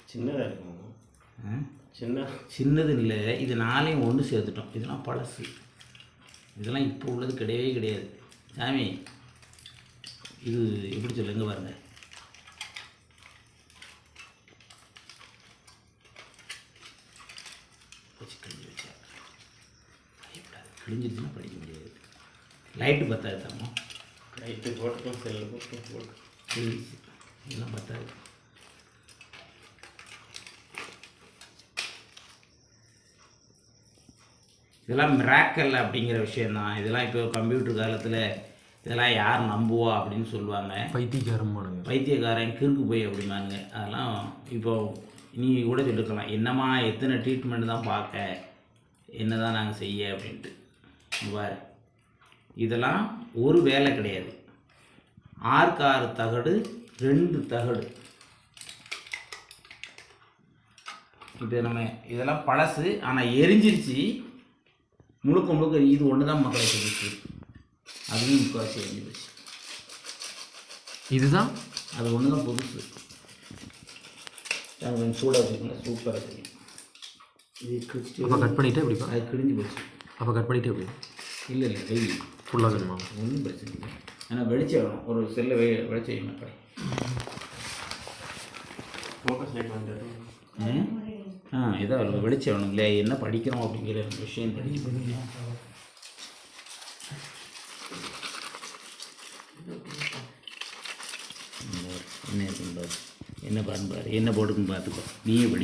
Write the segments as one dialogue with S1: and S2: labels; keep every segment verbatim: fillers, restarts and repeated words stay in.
S1: சின்னதாக இருக்கும். சின்ன
S2: சின்னது இல்லை, இது நாளையும் ஒன்று சேர்த்துட்டோம். இதெல்லாம் பழசு, இதெல்லாம் இப்போ உள்ளது கிடையவே கிடையாது சாமி. இது எப்படி சொல்லுங்க பாருங்க, வச்சு கிழிஞ்சு வச்சா பயப்படாது, கிழிஞ்சிருச்சுன்னா படிக்க முடியாது. லைட்டு பத்தாது தாமோ,
S1: லைட்டு போட்டுக்கும் செல்லு போட்டு போட்டு
S2: கிழிஞ்சிச்சு, இதெல்லாம் பத்தாது. இதெல்லாம் மிராக்கல் அப்படிங்கிற விஷயந்தான். இதெல்லாம் இப்போ கம்ப்யூட்டர் காலத்தில் இதெல்லாம் யார் நம்புவா அப்படின்னு சொல்லுவாங்க.
S3: பைத்தியக்காரமானுங்க,
S2: பைத்தியக்காரன் கிறுக்கு போய் அப்படிமானுங்க. அதெல்லாம் இப்போ நீ கூட சொல்லிருக்கலாம், என்னம்மா எத்தனை ட்ரீட்மெண்ட் தான் பார்க்க, என்ன தான் நாங்கள் செய்ய அப்படின்ட்டு. பாரு, இதெல்லாம் ஒரு வேலை கிடையாது. ஆறுக்கு ஆறு தகடு, ரெண்டு தகடு. இப்போ நம்ம இதெல்லாம் பழசு, ஆனால் எரிஞ்சிருச்சு முழுக்க முழுக்க. இது ஒன்று தான் மக்களை சொல்லிச்சு, அதுவும் முக்கால்வாசி எரிஞ்சு போச்சு.
S3: இதுதான்
S2: அது ஒன்று தான் புதுசு. நாங்கள் கொஞ்சம் சூடாக வச்சுக்கோங்க, சூப்பராக தெரியும். இது கிழிச்சிட்டு
S3: அப்போ கட் பண்ணிவிட்டு எப்படி?
S2: அது கிழிஞ்சு போச்சு.
S3: அப்போ கட் பண்ணிவிட்டு எப்படி?
S2: இல்லை இல்லை கை
S3: ஃபுல்லாக வேணுமா?
S2: ஒன்றும் பிரச்சனை இல்லை. ஆனால் வெளிச்சம் வேணும், ஒரு செல்லை வெ வெளிச்சம் வைங்க மக்களை.
S1: ஃபோக்கஸ் லைட் வந்துட்டு
S2: ஆ இதான் ஒரு வெளிச்சம் வேணும் இல்லையா, என்ன படிக்கிறோம் அப்படிங்கிற விஷயம் தெரியும். என்ன இருக்குன்னு பாரு, என்ன பாருன்னு பாரு, என்ன போட்டுக்குன்னு பார்த்துக்கோ, நீயே படி.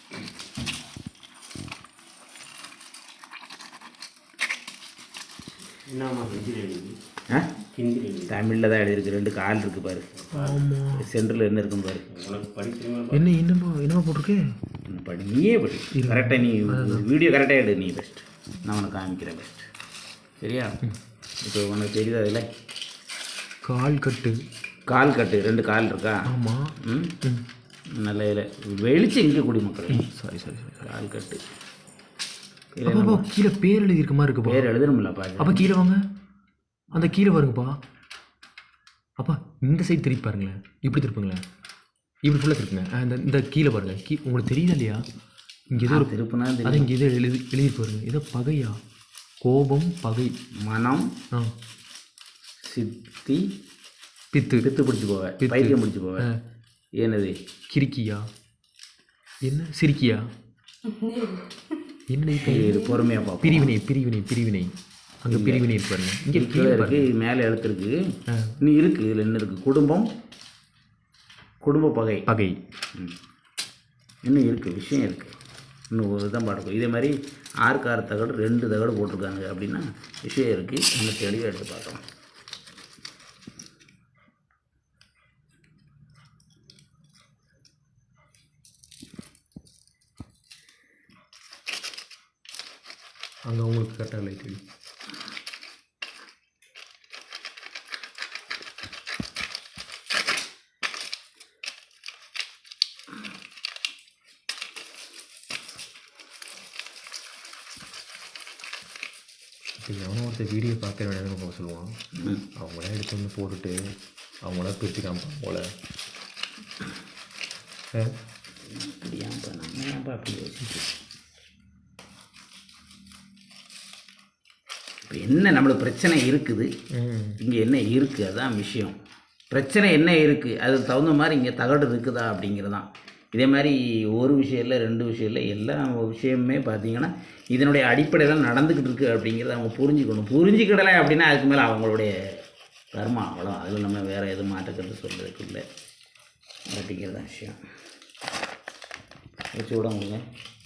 S1: என்னம்மா ஹிந்தியில் எழுதி?
S2: ஆ
S1: ஹிந்தியில் எழுதி
S2: தமிழில் தான் எழுதியிருக்கு. ரெண்டு கால் இருக்குது பாரு, சென்டரில் என்ன இருக்குன்னு பாரு.
S1: உனக்கு படிக்கிறீங்களா?
S3: என்ன என்னப்பா என்னப்பா போட்டிருக்கு?
S2: படி, நீயே படி. கரெக்டாக நீ வீடியோ கரெக்டாக எடு, நீ பெஸ்ட். நான் உனக்கு காமிக்கிறேன் பெஸ்ட், சரியா? இப்போ உனக்கு தெரியுதா அதில்
S3: கால் கட்டு,
S2: கால் கட்டு, ரெண்டு கால் இருக்கா?
S3: ஆமாம்.
S2: ம் நல்ல இதில் வெளிச்சம் இங்கே குடி மக்கள்.
S3: சாரி சாரி சாரி
S2: கால் கட்டு
S3: அப்பா கீழே பேர் எழுதி இருக்க மாதிரி இருக்குப்பா.
S2: பேர் எழுதணும்லப்பா.
S3: அப்போ கீழே வாங்க, அந்த கீழே பாருங்கப்பா. அப்பா இந்த சைடு திருப்பி பாருங்களேன், இப்படி திருப்புங்களேன், இப்படி ஃபுல்லாக திருப்புங்க. அந்த இந்த கீழே பாருங்கள், கீ உங்களுக்கு தெரியுதா இல்லையா? இங்கே ஏதோ ஒரு
S2: திருப்புனா
S3: அது இங்கே ஏதோ எழுதி எழுதி பாருங்க. ஏதோ பகையா, கோபம், பகை,
S2: மனம்,
S3: ஆ
S2: சித்தி,
S3: பித்து,
S2: பித்து பிடிச்சி போவேன், பைத்தியம் பிடிச்சி போவேன். என்னது
S3: கிறுக்கியா, என்ன சிரிக்கியா, என்ன
S2: இது பொறுமையாக பார்ப்போம்.
S3: பிரிவினை பிரிவினை பிரிவினை அங்கே பிரிவினை இருக்கு பாருங்க. இங்கே
S2: கீழே இருக்குது, மேலே எழுத்துருக்கு, இன்னும் இருக்குது. இதில் என்ன இருக்குது? குடும்பம், குடும்ப பகை,
S3: பகை
S2: இன்னும் இருக்குது, விஷயம் இருக்குது. இன்னும் ஒரு தான் பாடுக்கும். இதே மாதிரி ஆறுக்கு ஆறு தகடு, ரெண்டு தகடு போட்டிருக்காங்க அப்படின்னா விஷயம் இருக்குது. இன்னும் தெளிவாக எடுத்து பார்க்கலாம்.
S3: அங்கே உங்களுக்கு கரெக்டாக லைட் அடி. இப்போ எவனோ ஒருத்தர் வீடியோ பார்க்க வேண்டியதுன்னு போக சொல்லுவான். அவங்களே எடுத்து வந்து போட்டுட்டு அவங்கள பிரித்து காமிப்பாங்க போல.
S2: அப்படியாப்பா, நம்ம ஏன்ப்பா அப்படி யோசிச்சு? இப்போ என்ன நம்மளுக்கு பிரச்சனை இருக்குது, இங்கே என்ன இருக்குது, அதுதான் விஷயம். பிரச்சனை என்ன இருக்குது, அதுக்கு தகுந்த மாதிரி இங்கே தகடு இருக்குதா அப்படிங்கிறதான். இதே மாதிரி ஒரு விஷயம் இல்லை, ரெண்டு விஷயம் இல்லை, எல்லா விஷயமுமே பார்த்திங்கன்னா இதனுடைய அடிப்படையில் நடந்துக்கிட்டு இருக்குது அப்படிங்கிறத அவங்க புரிஞ்சுக்கணும். புரிஞ்சுக்கிடலை அப்படின்னா அதுக்கு மேலே அவங்களுடைய கர்மா, அவ்வளோ. அதில் நம்ம வேறு எதுவும் மாற்றக்கிறது சொல்கிறதுக்கு இல்லை அப்படிங்கிறது தான் விஷயம். வச்சு விட முடியுங்க.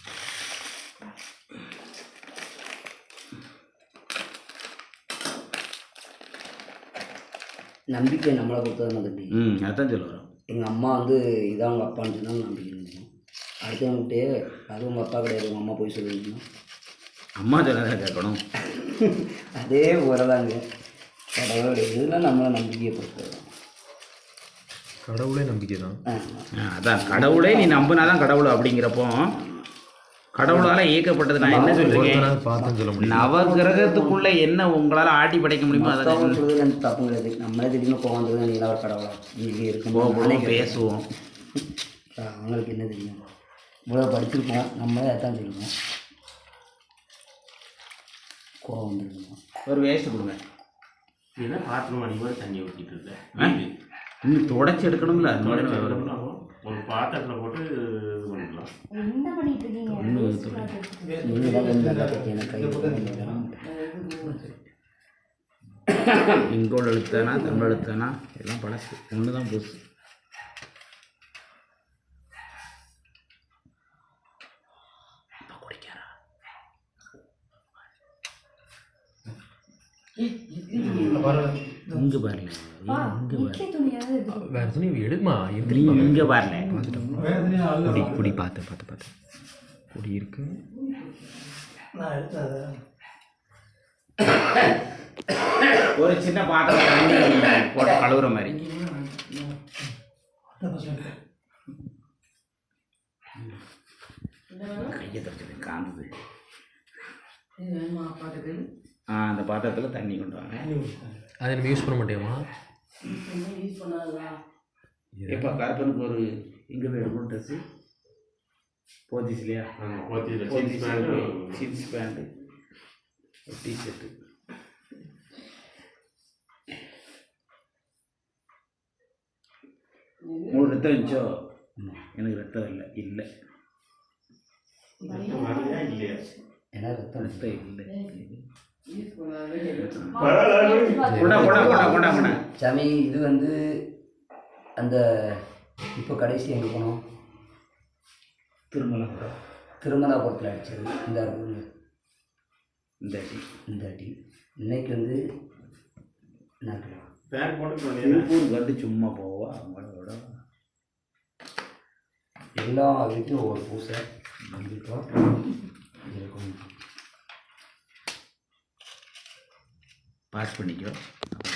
S4: நம்பிக்கை நம்மளை பொறுத்தவரை தம்பி.
S2: ம் அதான் சொல்ல வரோம்.
S4: எங்கள் அம்மா வந்து இதான் உங்கள் அப்பான்னு சொன்னால் நம்பிக்கை இருந்துச்சு. அடுத்தவங்கிட்டே அது உங்கள் அப்பா கிடையாது, உங்கள் அம்மா போய் சொல்லியிருக்கணும்.
S2: அம்மா சொன்னதை கேட்கணும்.
S4: அதே போலதாங்க கடவுளுடைய இதெல்லாம் நம்மளை நம்பிக்கையை பொறுத்தவரை.
S3: கடவுளே நம்பிக்கை தான்.
S2: அதான் கடவுளே நீ நம்பினா தான் கடவுள் அப்படிங்கிறப்போ கடவுளால் இயக்கப்பட்டது. நான் என்ன சொல்கிறேன்,
S3: பார்த்துன்னு சொல்ல முடியும்.
S2: நவ கிரகத்துக்குள்ள என்ன உங்களால் ஆட்டி படைக்க முடியுமோ அதை
S4: சொல்றது எனக்கு தப்பு கிடையாது. நம்மளே திடீர்னு போகிறது நீ ஒரு கடவுளா இங்கே இருக்கும்
S2: போகணும், பேசுவோம்.
S4: அவங்களுக்கு என்ன தெரியும்? இவ்வளோ படிச்சிருக்கோம், நம்மளே அதான் சொல்லுவோம். கோவம் வந்துருக்கோம்.
S2: ஒரு வேஸ்ட்டு கொடுங்க.
S1: இதெல்லாம் பாத்திரம் அதிகமாக தண்ணி ஊற்றிட்டு இருக்கேன்.
S2: இன்னும் தொடச்சி எடுக்கணும்ல, அது மாதிரி
S1: ஒரு பாத்திரத்தில் போட்டு இது பண்ணிக்கலாம்.
S5: என்ன பண்ணிட்டு இருக்கீங்க?
S4: நீங்கள் தான் வந்து நல்லா பற்றி எனக்கு கை கொடுக்கணும்.
S2: இங்கோடு எழுத்தானா தமிழ் எழுத்தானா எல்லாம் பழசு, ஒன்று தான் புதுசு. குடிக்காரா இங்கே பாருல, இங்கே பாரு,
S3: வேறு துணி எடுமா எந்திரி.
S2: இங்கே பாருல,
S3: குடி குடி பார்த்து பார்த்து பார்த்து குடி இருக்கு.
S2: ஒரு சின்ன பாத்திரம் தண்ணி போட்டு கழுவுற மாதிரி. கையை தடுச்சது காந்தது. ஆ அந்த பாத்திரத்தில் தண்ணி கொண்டு வாங்க.
S3: அதை நம்ம யூஸ் பண்ண மாட்டேமா?
S2: எப்போ கருப்பனுக்கு ஒரு இங்கே போய் எடுக்கணும் ட்ரெஸ்ஸு போத்திஸ் இல்லையா? Pothys pant, jeans pant, T shirt. உங்களுக்கு ரத்தம் இருந்துச்சோ? எனக்கு ரத்தம் இல்லை இல்லை
S1: இல்லையா?
S4: ஏன்னா ரத்தம்
S2: ரத்தம் இல்லை.
S4: சாமி இது வந்து அந்த இப்போ கடைசி எங்கே போனோம்?
S2: திருமலாபுரம்.
S4: திருமலாபுரத்தில் அடித்தது இந்த இருக்குங்க
S2: இந்த அடி
S4: இந்த அடி. இன்னைக்கு வந்து என்ன கிலோ
S1: பேக் போட்டு
S2: திருப்பூர் வந்து சும்மா போவா அவங்களோட
S4: எல்லா வீட்லையும் ஒவ்வொரு பூசை கண்டிப்பாக இருக்கும்.
S2: பாஸ் பண்ணிக்கோ.